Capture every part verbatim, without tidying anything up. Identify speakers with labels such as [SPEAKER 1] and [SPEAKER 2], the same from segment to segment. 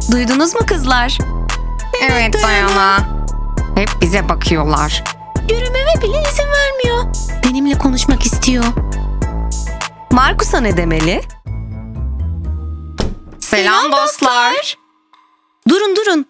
[SPEAKER 1] Duydunuz mu kızlar?
[SPEAKER 2] Evet Dayana. Hep bize bakıyorlar.
[SPEAKER 1] Yürümeme bile izin vermiyor. Benimle konuşmak istiyor. Markus'a ne demeli?
[SPEAKER 2] Selam dostlar.
[SPEAKER 1] Durun durun.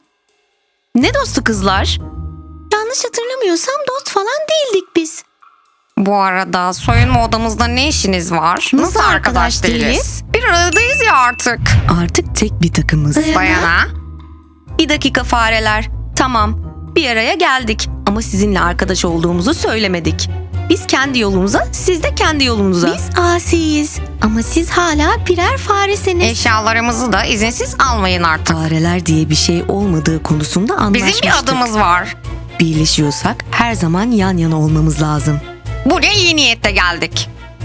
[SPEAKER 1] Ne dostu kızlar? Yanlış hatırlamıyorsam dost falan değildik biz.
[SPEAKER 2] Bu arada soyunma odamızda ne işiniz var?
[SPEAKER 1] Nasıl arkadaş değiliz?
[SPEAKER 2] Bir aradayız ya artık.
[SPEAKER 1] Artık tek bir takımız.
[SPEAKER 2] Dayana.
[SPEAKER 1] Bir dakika fareler. Tamam. Bir araya geldik ama sizinle arkadaş olduğumuzu söylemedik. Biz kendi yolumuza, siz de kendi yolunuza. Biz asiyiz ama siz hala birer faresiniz.
[SPEAKER 2] Eşyalarımızı da izinsiz almayın artık.
[SPEAKER 1] Fareler diye bir şey olmadığı konusunda anlaşmıştık.
[SPEAKER 2] Bizim bir adımız var.
[SPEAKER 1] Birleşiyorsak her zaman yan yana olmamız lazım.
[SPEAKER 2] Buraya iyi niyetle geldik.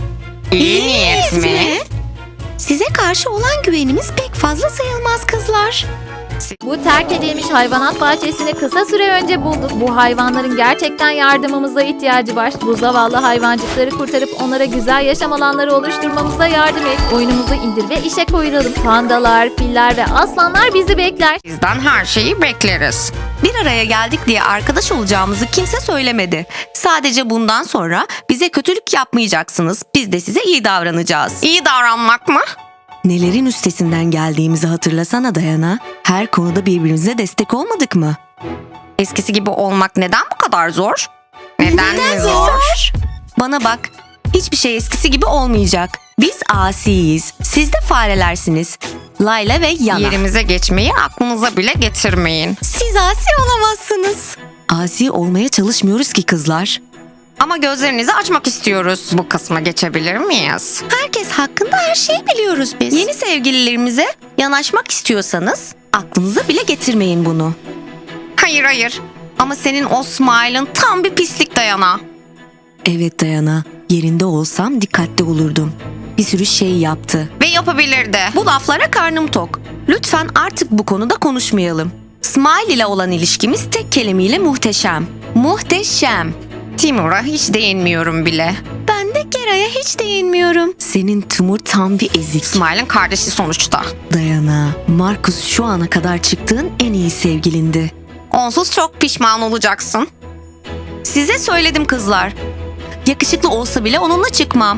[SPEAKER 2] İyi niyet mi?
[SPEAKER 1] Size karşı olan güvenimiz pek fazla sayılmaz kızlar.
[SPEAKER 3] Bu terk edilmiş hayvanat bahçesini kısa süre önce bulduk. Bu hayvanların gerçekten yardımımıza ihtiyacı var. Bu zavallı hayvancıkları kurtarıp onlara güzel yaşam alanları oluşturmamıza yardım et. Oyunumuzu indir ve işe koyulalım. Pandalar, filler ve aslanlar bizi bekler.
[SPEAKER 2] Bizden her şeyi bekleriz.
[SPEAKER 1] Bir araya geldik diye arkadaş olacağımızı kimse söylemedi. Sadece bundan sonra bize kötülük yapmayacaksınız. Biz de size iyi davranacağız.
[SPEAKER 2] İyi davranmak mı?
[SPEAKER 1] Nelerin üstesinden geldiğimizi hatırlasana Dayana. Her konuda birbirimize destek olmadık mı?
[SPEAKER 2] Eskisi gibi olmak neden bu kadar zor? Neden, mi zor?
[SPEAKER 1] Bana bak, hiçbir şey eskisi gibi olmayacak. Biz asiyiz, siz de farelersiniz. Layla ve Yana.
[SPEAKER 2] Yerimize geçmeyi aklınıza bile getirmeyin.
[SPEAKER 1] Siz asi olamazsınız. Asi olmaya çalışmıyoruz ki kızlar.
[SPEAKER 2] Ama gözlerinizi açmak istiyoruz. Bu kısma geçebilir miyiz?
[SPEAKER 1] Herkes hakkında her şeyi biliyoruz biz. Yeni sevgililerimize yanaşmak istiyorsanız aklınıza bile getirmeyin bunu.
[SPEAKER 2] Hayır hayır. Ama senin o smile'ın tam bir pislik Dayana.
[SPEAKER 1] Evet Dayana, yerinde olsam dikkatli olurdum. Bir sürü şey yaptı.
[SPEAKER 2] Ve yapabilirdi.
[SPEAKER 1] Bu laflara karnım tok. Lütfen artık bu konuda konuşmayalım. Smile ile olan ilişkimiz tek kelimeyle muhteşem. Muhteşem.
[SPEAKER 2] Timur'a hiç değinmiyorum bile.
[SPEAKER 1] Ben de Gera'ya hiç değinmiyorum. Senin Timur tam bir ezik.
[SPEAKER 2] Smile'ın kardeşi sonuçta.
[SPEAKER 1] Dayana, Markus şu ana kadar çıktığın en iyi sevgilindi.
[SPEAKER 2] Onsuz çok pişman olacaksın.
[SPEAKER 1] Size söyledim kızlar. Yakışıklı olsa bile onunla çıkmam.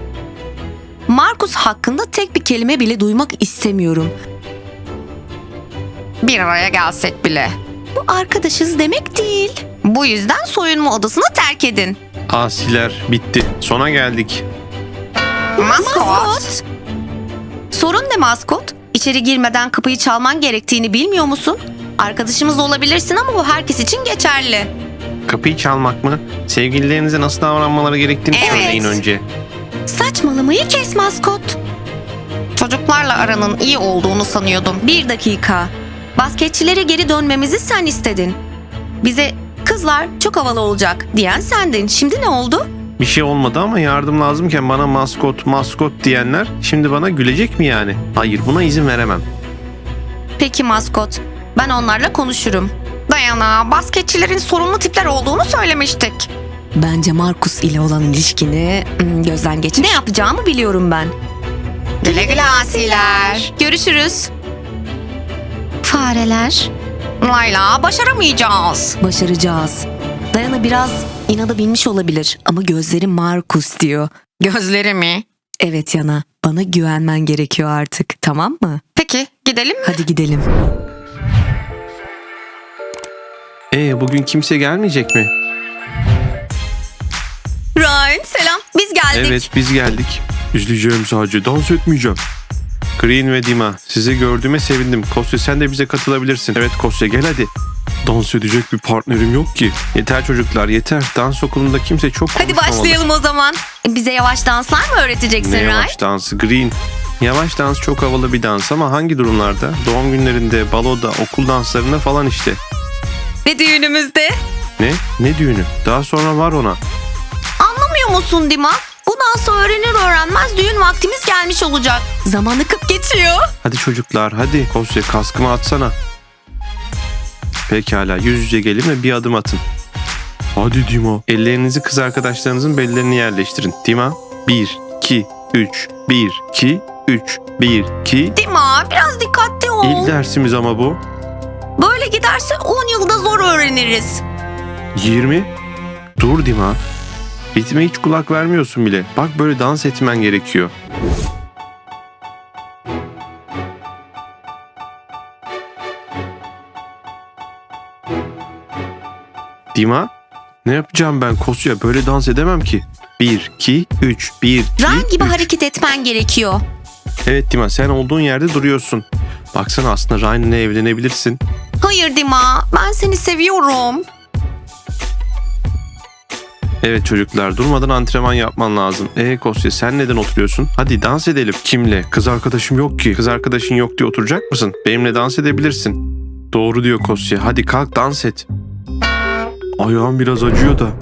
[SPEAKER 1] Markus hakkında tek bir kelime bile duymak istemiyorum.
[SPEAKER 2] Bir araya gelsek bile.
[SPEAKER 1] Bu arkadaşız demek değil.
[SPEAKER 2] Bu yüzden soyunma odasını terk edin.
[SPEAKER 4] Asiler bitti. Sona geldik.
[SPEAKER 2] Maskot.
[SPEAKER 1] Sorun ne maskot? İçeri girmeden kapıyı çalman gerektiğini bilmiyor musun? Arkadaşımız olabilirsin ama bu herkes için geçerli.
[SPEAKER 4] Kapıyı çalmak mı? Sevgililerinize nasıl davranmaları gerektiğini
[SPEAKER 1] Evet.
[SPEAKER 4] söyleyin önce.
[SPEAKER 1] Saçmalamayı kes maskot.
[SPEAKER 2] Çocuklarla aranın iyi olduğunu sanıyordum.
[SPEAKER 1] Bir dakika. Basketçilere geri dönmemizi sen istedin. Bize kızlar çok havalı olacak diyen sendin. Şimdi ne oldu?
[SPEAKER 4] Bir şey olmadı ama yardım lazımken bana maskot maskot diyenler şimdi bana gülecek mi yani? Hayır, buna izin veremem.
[SPEAKER 1] Peki maskot. Ben onlarla konuşurum.
[SPEAKER 2] Dayana, basketçilerin sorunlu tipler olduğunu söylemiştik.
[SPEAKER 1] Bence Markus ile olan ilişkini hmm, gözden geçir. Ne yapacağımı biliyorum ben.
[SPEAKER 2] Güle güle asiler.
[SPEAKER 1] Görüşürüz. Fareler.
[SPEAKER 2] Layla, başaramayacağız.
[SPEAKER 1] Başaracağız. Dayana biraz inada binmiş olabilir ama gözleri Markus diyor.
[SPEAKER 2] Gözleri mi?
[SPEAKER 1] Evet Yana, bana güvenmen gerekiyor artık, tamam mı?
[SPEAKER 2] Peki, gidelim mi?
[SPEAKER 1] Hadi gidelim.
[SPEAKER 4] Ee, bugün kimse gelmeyecek mi?
[SPEAKER 1] Ryan selam, biz geldik.
[SPEAKER 4] Evet, biz geldik. İzleyeceğim sadece, dans etmeyeceğim. Green ve Dima, sizi gördüğüme sevindim. Kosya, sen de bize katılabilirsin. Evet Kosya, gel hadi. Dans edecek bir partnerim yok ki. Yeter çocuklar, yeter. Dans okulunda kimse çok
[SPEAKER 1] Hadi
[SPEAKER 4] konuşmamalı.
[SPEAKER 1] başlayalım o zaman. Bize yavaş danslar mı öğreteceksin
[SPEAKER 4] Ne
[SPEAKER 1] Ryan?
[SPEAKER 4] yavaş dansı Green? Yavaş dans çok havalı bir dans ama hangi durumlarda? Doğum günlerinde, baloda, okul danslarında falan işte.
[SPEAKER 1] Ve düğünümüzde.
[SPEAKER 4] Ne? Ne düğünü? Daha sonra var ona.
[SPEAKER 1] Anlamıyor musun Dima? Bu dansı öğrenir öğrenmez düğün vaktimiz gelmiş olacak. Zaman akıp geçiyor.
[SPEAKER 4] Hadi çocuklar, hadi. Kosya, kaskımı atsana. Pekala, yüz yüze gelin ve bir adım atın. Hadi Dima. Ellerinizi kız arkadaşlarınızın bellerine yerleştirin. Dima, bir, iki, üç, bir. bir, iki, üç. bir, iki.
[SPEAKER 1] Dima biraz dikkatli ol.
[SPEAKER 4] İlk dersimiz ama bu.
[SPEAKER 1] Böyle giderse on yılda zor öğreniriz.
[SPEAKER 4] yirmi. Dur Dima. Ritme hiç kulak vermiyorsun bile. Bak böyle dans etmen gerekiyor. Dima, ne yapacağım ben Kosya? Böyle dans edemem ki. bir, iki, üç. bir, iki,
[SPEAKER 1] Ryan gibi
[SPEAKER 4] üç.
[SPEAKER 1] hareket etmen gerekiyor.
[SPEAKER 4] Evet Dima, sen olduğun yerde duruyorsun. Baksana aslında Ryan'la evlenebilirsin.
[SPEAKER 1] Hayır Dima, ben seni seviyorum.
[SPEAKER 4] Evet çocuklar, durmadan antrenman yapman lazım. Ee Kosya, sen neden oturuyorsun? Hadi dans edelim. Kimle? Kız arkadaşım yok ki. Kız arkadaşın yok diye oturacak mısın? Benimle dans edebilirsin. Doğru diyor Kosya. Hadi kalk dans et. Ayağım biraz acıyor da.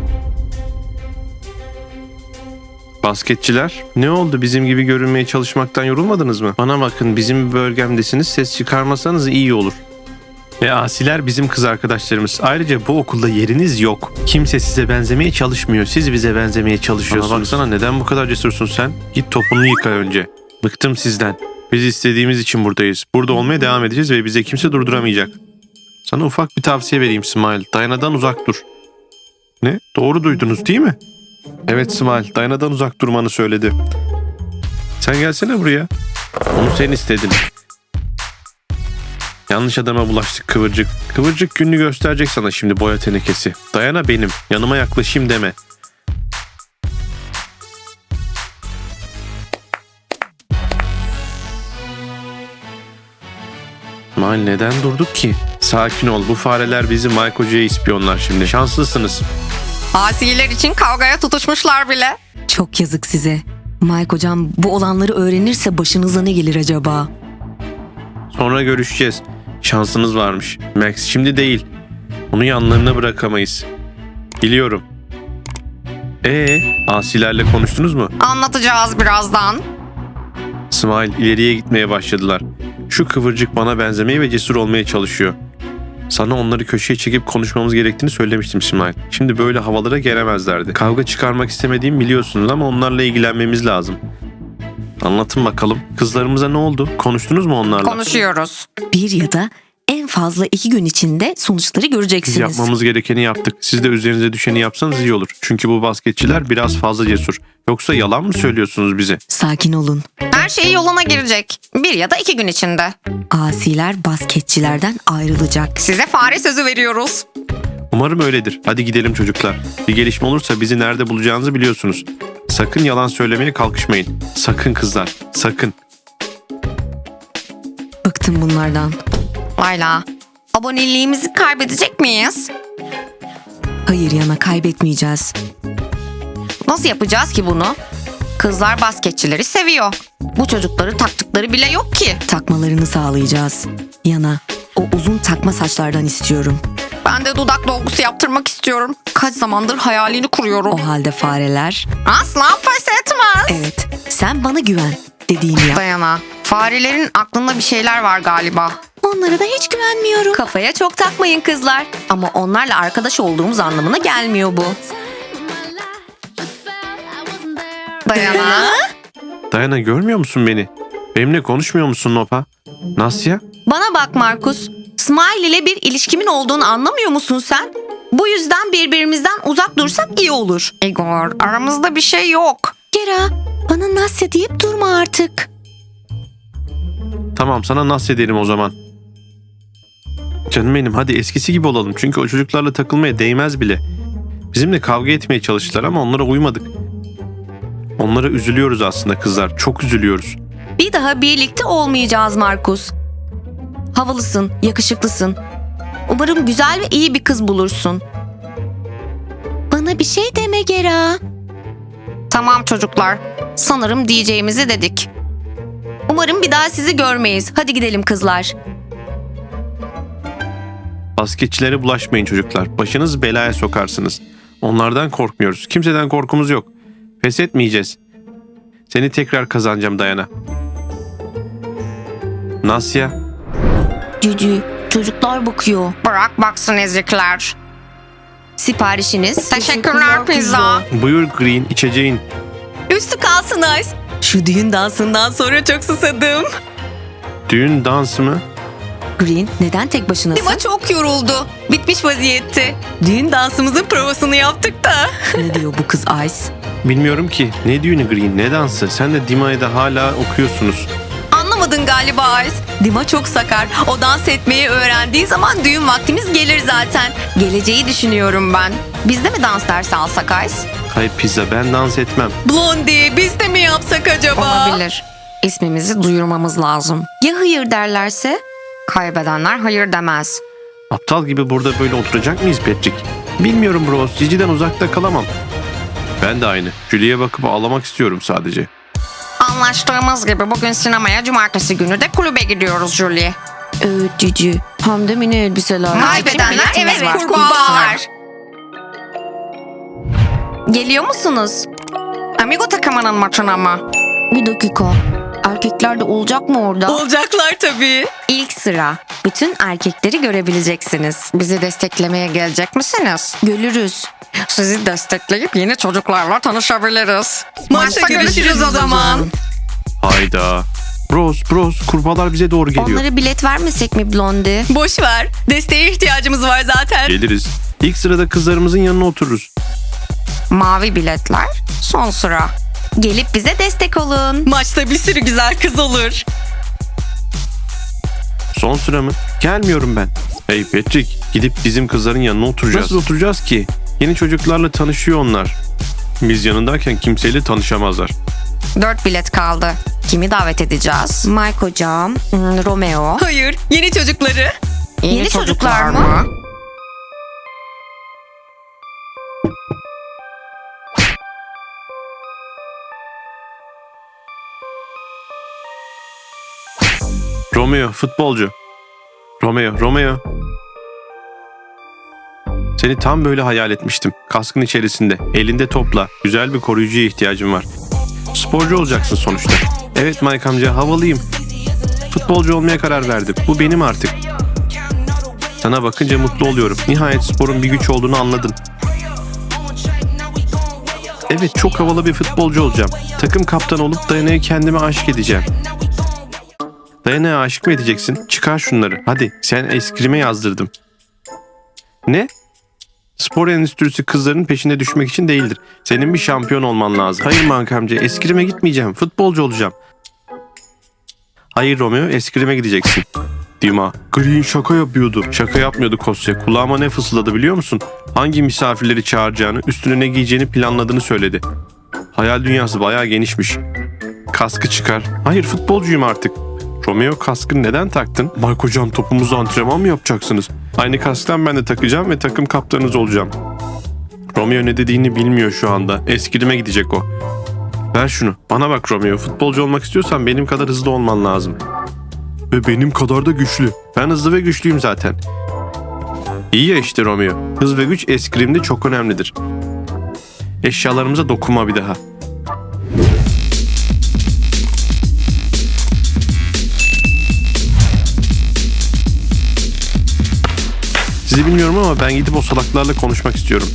[SPEAKER 4] Basketçiler, ne oldu? Bizim gibi görünmeye çalışmaktan yorulmadınız mı? Bana bakın, bizim bölgemdesiniz, ses çıkarmasanız iyi olur. Ve asiler bizim kız arkadaşlarımız. Ayrıca bu okulda yeriniz yok. Kimse size benzemeye çalışmıyor. Siz bize benzemeye çalışıyorsunuz. Bana baksana, neden bu kadar cesursun sen? Git topunu yıka önce. Bıktım sizden. Biz istediğimiz için buradayız. Burada olmaya devam edeceğiz ve bize kimse durduramayacak. Sana ufak bir tavsiye vereyim Smile. Dayanadan uzak dur. Ne? Doğru duydunuz değil mi? Evet Smile, Dayanadan uzak durmanı söyledi. Sen gelsene buraya. Onu sen istedin. Yanlış adama bulaştık Kıvırcık. Kıvırcık gününü gösterecek sana şimdi, boya tenekesi. Dayana benim. Yanıma yaklaşayım deme. Smile, neden durduk ki? Sakin ol, bu fareler bizi Mike Hoca'ya ispiyonlar şimdi. Şanslısınız.
[SPEAKER 2] Asiler için kavgaya tutuşmuşlar bile.
[SPEAKER 1] Çok yazık size. Mike hocam bu olanları öğrenirse başınıza ne gelir acaba?
[SPEAKER 4] Sonra görüşeceğiz. Şansınız varmış. Max şimdi değil. Onu yanlarına bırakamayız. Biliyorum. Ee, asilerle konuştunuz mu?
[SPEAKER 2] Anlatacağız birazdan.
[SPEAKER 4] Smile, ileriye gitmeye başladılar. Şu Kıvırcık bana benzemeye ve cesur olmaya çalışıyor. Sana onları köşeye çekip konuşmamız gerektiğini söylemiştim Smile. Şimdi böyle havalara gelemezlerdi. Kavga çıkarmak istemediğimi biliyorsunuz ama onlarla ilgilenmemiz lazım. Anlatın bakalım. Kızlarımıza ne oldu? Konuştunuz mu onlarla?
[SPEAKER 2] Konuşuyoruz.
[SPEAKER 1] Bir ya da en fazla iki gün içinde sonuçları
[SPEAKER 4] Biz
[SPEAKER 1] göreceksiniz.
[SPEAKER 4] yapmamız gerekeni yaptık. Siz de üzerinize düşeni yapsanız iyi olur. Çünkü bu basketçiler biraz fazla cesur. Yoksa yalan mı söylüyorsunuz bize?
[SPEAKER 1] Sakin olun.
[SPEAKER 2] Her şey yoluna girecek. Bir ya da iki gün içinde.
[SPEAKER 1] Asiler basketçilerden ayrılacak.
[SPEAKER 2] Size fare sözü veriyoruz.
[SPEAKER 4] Umarım öyledir. Hadi gidelim çocuklar. Bir gelişme olursa bizi nerede bulacağınızı biliyorsunuz. Sakın yalan söylemeye kalkışmayın. Sakın kızlar. Sakın.
[SPEAKER 1] Bıktım bunlardan.
[SPEAKER 2] Layla, aboneliğimizi kaybedecek miyiz?
[SPEAKER 1] Hayır Yana, kaybetmeyeceğiz.
[SPEAKER 2] Nasıl yapacağız ki bunu? Kızlar basketçileri seviyor. Bu çocukları taktıkları bile yok ki.
[SPEAKER 1] Takmalarını sağlayacağız. Yana, o uzun takma saçlardan istiyorum.
[SPEAKER 2] Ben de dudak dolgusu yaptırmak istiyorum. Kaç zamandır hayalini kuruyorum.
[SPEAKER 1] O halde fareler...
[SPEAKER 2] Asla pes etmez.
[SPEAKER 1] Evet, sen bana güven. Dediğimi yap.
[SPEAKER 2] Dayana, farelerin aklında bir şeyler var galiba.
[SPEAKER 1] Onlara da hiç güvenmiyorum. Kafaya çok takmayın kızlar. Ama onlarla arkadaş olduğumuz anlamına gelmiyor bu.
[SPEAKER 2] Dayana.
[SPEAKER 4] Dayana, görmüyor musun beni? Benimle konuşmuyor musun Nopa? Nasya?
[SPEAKER 1] Bana bak Markus. Smile ile bir ilişkimin olduğunu anlamıyor musun sen? Bu yüzden birbirimizden uzak dursak iyi olur.
[SPEAKER 2] Igor, aramızda bir şey yok.
[SPEAKER 1] Gera, bana Nasya deyip durma artık.
[SPEAKER 4] Tamam, sana nasıl ederim o zaman. Canım benim, hadi eskisi gibi olalım. Çünkü o çocuklarla takılmaya değmez bile. Bizimle kavga etmeye çalıştılar ama onlara uymadık. Onlara üzülüyoruz aslında kızlar. Çok üzülüyoruz.
[SPEAKER 1] Bir daha birlikte olmayacağız Markus. Havalısın, yakışıklısın. Umarım güzel ve iyi bir kız bulursun. Bana bir şey deme Gera.
[SPEAKER 2] Tamam çocuklar. Sanırım diyeceğimizi dedik.
[SPEAKER 1] Umarım bir daha sizi görmeyiz. Hadi gidelim kızlar.
[SPEAKER 4] Basketçilere bulaşmayın çocuklar. Başınızı belaya sokarsınız. Onlardan korkmuyoruz. Kimseden korkumuz yok. Pes etmeyeceğiz. Seni tekrar kazanacağım Dayana. Nasya?
[SPEAKER 1] Cücü, çocuklar bakıyor.
[SPEAKER 2] Bırak baksın ezikler.
[SPEAKER 1] Siparişiniz.
[SPEAKER 2] Teşekkürler pizza.
[SPEAKER 4] Buyur Green, içeceğin.
[SPEAKER 1] Üstü kalsın Ice. Şu düğün dansından sonra çok susadım.
[SPEAKER 4] Düğün dansı mı?
[SPEAKER 1] Green, neden tek başınasın? Dima çok yoruldu. Bitmiş vaziyette. Düğün dansımızın provasını yaptık da. Ne diyor bu kız Ice?
[SPEAKER 4] Bilmiyorum ki. Ne düğünü Green, ne dansı? Sen de Dima'yı da hala okuyorsunuz.
[SPEAKER 1] Anlamadın galiba Ice. Dima çok sakar. O dans etmeyi öğrendiği zaman düğün vaktimiz gelir zaten. Geleceği düşünüyorum ben.
[SPEAKER 2] Biz de mi dans dersi alsak Ice?
[SPEAKER 4] Hayır pizza, ben dans etmem.
[SPEAKER 1] Blondie, biz de mi yapsak acaba?
[SPEAKER 2] Olabilir. İsmimizi duyurmamız lazım.
[SPEAKER 1] Ya hayır derlerse?
[SPEAKER 2] Kaybedenler hayır demez.
[SPEAKER 4] Aptal gibi burada böyle oturacak mıyız Patrick? Bilmiyorum bros, Cici'den uzakta kalamam. Ben de aynı. Julie'ye bakıp ağlamak istiyorum sadece.
[SPEAKER 2] Anlaştığımız gibi bugün sinemaya, cumartesi günü de kulübe gidiyoruz Julie.
[SPEAKER 1] Evet Cici. Hem de mini elbiseler.
[SPEAKER 2] Kaybedenler
[SPEAKER 1] evet
[SPEAKER 2] evet
[SPEAKER 1] kurbağalar.
[SPEAKER 2] Geliyor musunuz? Amigo takımının maçına mı?
[SPEAKER 1] Bir dakika. Erkekler de olacak mı orada? Olacaklar tabii. İlk sıra. Bütün erkekleri görebileceksiniz.
[SPEAKER 2] Bizi desteklemeye gelecek misiniz?
[SPEAKER 1] Görürüz.
[SPEAKER 2] Sizi destekleyip yeni çocuklarla tanışabiliriz.
[SPEAKER 1] Maçta görüşürüz o zaman.
[SPEAKER 4] Hayda. Bros, bros, kurbağalar bize doğru geliyor.
[SPEAKER 1] Onlara bilet vermesek mi Blondie? Boş ver. Desteğe ihtiyacımız var zaten.
[SPEAKER 4] Geliriz. İlk sırada kızlarımızın yanına otururuz.
[SPEAKER 2] Mavi biletler son sıra.
[SPEAKER 1] Gelip bize destek olun. Maçta bir sürü güzel kız olur.
[SPEAKER 4] Son sıra mı? Gelmiyorum ben. Hey Patrick, gidip bizim kızların yanına oturacağız. Nasıl oturacağız ki? Yeni çocuklarla tanışıyor onlar. Biz yanındayken kimseyle tanışamazlar.
[SPEAKER 2] Dört bilet kaldı. Kimi davet edeceğiz?
[SPEAKER 1] Mike hocam,
[SPEAKER 2] Hmm, Romeo.
[SPEAKER 1] hayır, yeni çocukları.
[SPEAKER 2] Yeni,
[SPEAKER 1] Yeni
[SPEAKER 2] çocuklar,
[SPEAKER 1] çocuklar
[SPEAKER 2] mı?
[SPEAKER 1] mı?
[SPEAKER 4] Romeo, futbolcu. Romeo, Romeo. Seni tam böyle hayal etmiştim. Kaskın içerisinde, elinde topla. Güzel bir koruyucuya ihtiyacım var. Sporcu olacaksın sonuçta. Evet Mike amca, havalıyım. Futbolcu olmaya karar verdim. Bu benim artık. Sana bakınca mutlu oluyorum. Nihayet sporun bir güç olduğunu anladın. Evet, çok havalı bir futbolcu olacağım. Takım kaptanı olup Dayana'ya kendime aşık edeceğim. Dayana'ya aşık mı edeceksin? Çıkar şunları. Hadi, sen eskrime yazdırdım. Ne? Spor endüstrisi kızların peşine düşmek için değildir. Senin bir şampiyon olman lazım. Hayır Mike amca, eskrime gitmeyeceğim. Futbolcu olacağım. Hayır Romeo, eskrime gideceksin. Dima, Green şaka yapıyordu. Şaka yapmıyordu Kosya. Kulağıma ne fısıldadı biliyor musun? Hangi misafirleri çağıracağını, üstüne ne giyeceğini planladığını söyledi. Hayal dünyası bayağı genişmiş. Kaskı çıkar. Hayır, futbolcuyum artık. Romeo, kaskını neden taktın? Mike hocam, topumuzu antrenman mı yapacaksınız? Aynı kasktan ben de takacağım ve takım kaptanınız olacağım. Romeo ne dediğini bilmiyor şu anda. Eskrime gidecek o. Ver şunu. Bana bak Romeo. Futbolcu olmak istiyorsan benim kadar hızlı olman lazım. Ve benim kadar da güçlü. Ben hızlı ve güçlüyüm zaten. İyi ya işte Romeo. Hız ve güç eskrimde çok önemlidir. Eşyalarımıza dokunma bir daha. Sizi bilmiyorum ama ben gidip o salaklarla konuşmak istiyorum.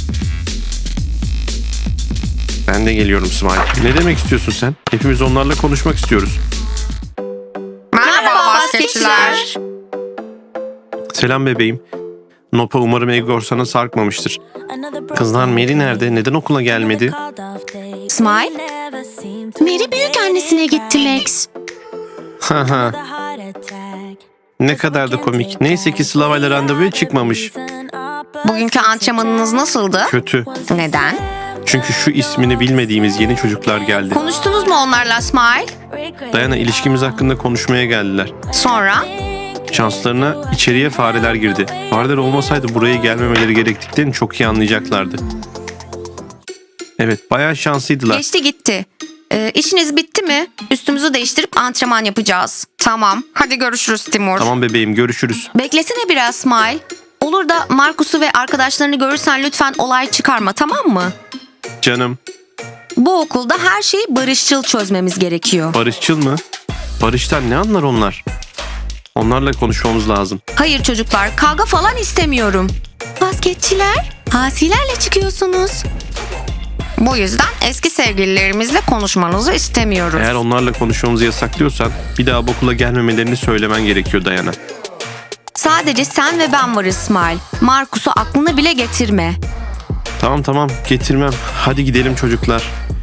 [SPEAKER 4] Ben de geliyorum Smile. Ne demek istiyorsun sen? Hepimiz onlarla konuşmak istiyoruz.
[SPEAKER 2] Merhaba basketçiler.
[SPEAKER 4] Selam bebeğim. Nopa, umarım Egor sana sarkmamıştır. Kızlar, Mary nerede? Neden okula gelmedi?
[SPEAKER 1] Smile. Mary büyük annesine gitti Max.
[SPEAKER 4] Haha. Ne kadar da komik. Neyse ki Slava ile randevuya çıkmamış.
[SPEAKER 2] Bugünkü antrenmanınız nasıldı?
[SPEAKER 4] Kötü.
[SPEAKER 2] Neden?
[SPEAKER 4] Çünkü şu ismini bilmediğimiz yeni çocuklar geldi.
[SPEAKER 1] Konuştunuz mu onlarla Smile?
[SPEAKER 4] Dayana, ilişkimiz hakkında konuşmaya geldiler.
[SPEAKER 2] Sonra?
[SPEAKER 4] Şanslarına içeriye fareler girdi. Fareler olmasaydı buraya gelmemeleri gerektiklerini çok iyi anlayacaklardı. Evet, bayağı şanslıydılar.
[SPEAKER 1] Geçti gitti. Ee, işiniz bitti mi? Üstümüzü değiştirip antrenman yapacağız.
[SPEAKER 2] Tamam. Hadi görüşürüz Timur.
[SPEAKER 4] Tamam bebeğim, görüşürüz.
[SPEAKER 1] Beklesene biraz Smile. Olur da Markus'u ve arkadaşlarını görürsen lütfen olay çıkarma, tamam mı?
[SPEAKER 4] Canım.
[SPEAKER 1] Bu okulda her şeyi barışçıl çözmemiz gerekiyor.
[SPEAKER 4] Barışçıl mı? Barıştan ne anlar onlar? Onlarla konuşmamız lazım.
[SPEAKER 1] Hayır çocuklar, kavga falan istemiyorum. Basketçiler, hasilerle çıkıyorsunuz.
[SPEAKER 2] Bu yüzden eski sevgililerimizle konuşmanızı istemiyoruz.
[SPEAKER 4] Eğer onlarla konuşmamızı yasaklıyorsan bir daha bu okula gelmemelerini söylemen gerekiyor Dayana.
[SPEAKER 1] Sadece sen ve ben varız İsmail. Markus'u aklına bile getirme.
[SPEAKER 4] Tamam tamam getirmem. Hadi gidelim çocuklar.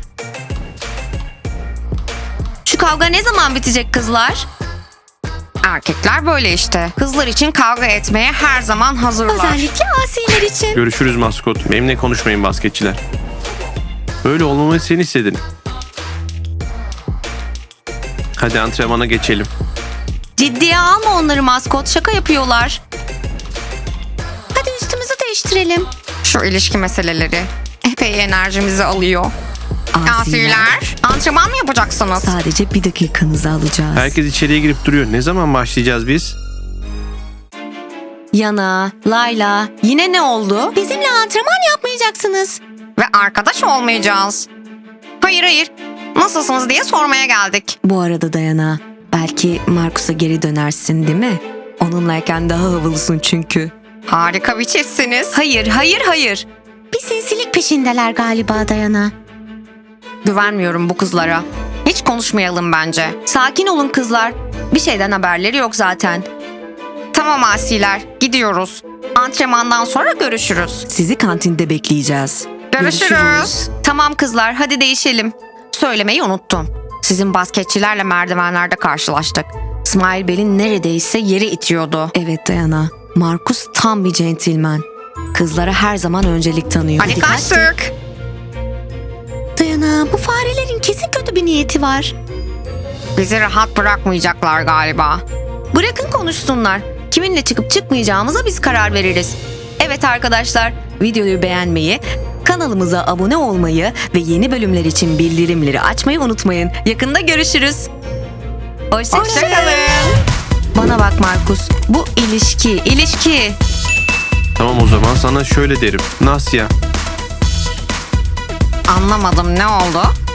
[SPEAKER 1] Şu kavga ne zaman bitecek kızlar?
[SPEAKER 2] Erkekler böyle işte. Kızlar için kavga etmeye her zaman hazırlar.
[SPEAKER 1] Özellikle asiler için.
[SPEAKER 4] Görüşürüz maskot. Benimle konuşmayın basketçiler. Böyle olmamayı sen istedin. Hadi antrenmana geçelim.
[SPEAKER 1] Ciddiye alma onları maskot. Şaka yapıyorlar. Hadi üstümüzü değiştirelim.
[SPEAKER 2] Şu ilişki meseleleri epey enerjimizi alıyor. Asiler, antrenman mı yapacaksınız?
[SPEAKER 1] Sadece bir dakikanızı alacağız.
[SPEAKER 4] Herkes içeriye girip duruyor. Ne zaman başlayacağız biz?
[SPEAKER 1] Yana, Layla, yine ne oldu? Bizimle antrenman yapmayacaksınız.
[SPEAKER 2] Ve arkadaş olmayacağız. Hayır hayır. Nasılsınız diye sormaya geldik.
[SPEAKER 1] Bu arada Dayana, belki Markus'a geri dönersin değil mi? Onunlayken daha havalısın çünkü.
[SPEAKER 2] Harika bir çiftsiniz.
[SPEAKER 1] Hayır, hayır, hayır. Bir sinsilik peşindeler galiba Dayana.
[SPEAKER 2] Güvenmiyorum bu kızlara. Hiç konuşmayalım bence.
[SPEAKER 1] Sakin olun kızlar. Bir şeyden haberleri yok zaten.
[SPEAKER 2] Tamam asiler, gidiyoruz. Antrenmandan sonra görüşürüz.
[SPEAKER 1] Sizi kantinde bekleyeceğiz.
[SPEAKER 2] Görüşürüz.
[SPEAKER 1] Tamam kızlar, hadi değişelim.
[SPEAKER 2] Söylemeyi unuttum. Sizin basketçilerle merdivenlerde karşılaştık. İsmail Bel'in neredeyse yeri itiyordu.
[SPEAKER 1] Evet Dayana, Markus tam bir centilmen. Kızlara her zaman öncelik tanıyor.
[SPEAKER 2] Hadi kaçtık.
[SPEAKER 1] Dayana, bu farelerin kesin kötü bir niyeti var.
[SPEAKER 2] Bizi rahat bırakmayacaklar galiba.
[SPEAKER 1] Bırakın konuşsunlar. Kiminle çıkıp çıkmayacağımıza biz karar veririz. Evet arkadaşlar, videoyu beğenmeyi, kanalımıza abone olmayı ve yeni bölümler için bildirimleri açmayı unutmayın. Yakında görüşürüz. Hoşçakalın.
[SPEAKER 2] Hoşçakalın.
[SPEAKER 1] Bana bak Markus, bu ilişki, ilişki.
[SPEAKER 4] Tamam o zaman sana şöyle derim. Nasya.
[SPEAKER 2] Anlamadım, ne oldu?